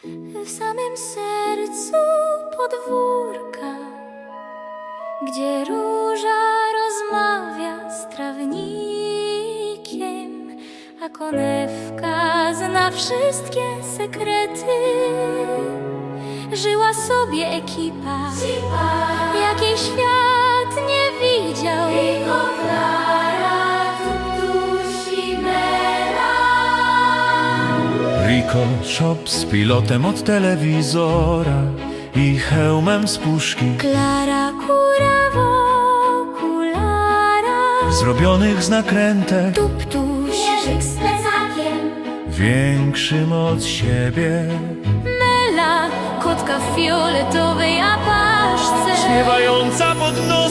w samym sercu podwórka, gdzie róża rozmawia z trawnikiem, a konewka zna wszystkie sekrety. Żyła sobie ekipa, jakiej świat nie widział. Rico Shop z pilotem od telewizora i hełmem z puszki, Klara kura w okularach, zrobionych z nakrętek, Tuptuś, Jerzyk z plecakiem, większym od siebie, Mela, kotka w fioletowej apaszce, śpiewająca pod nosem.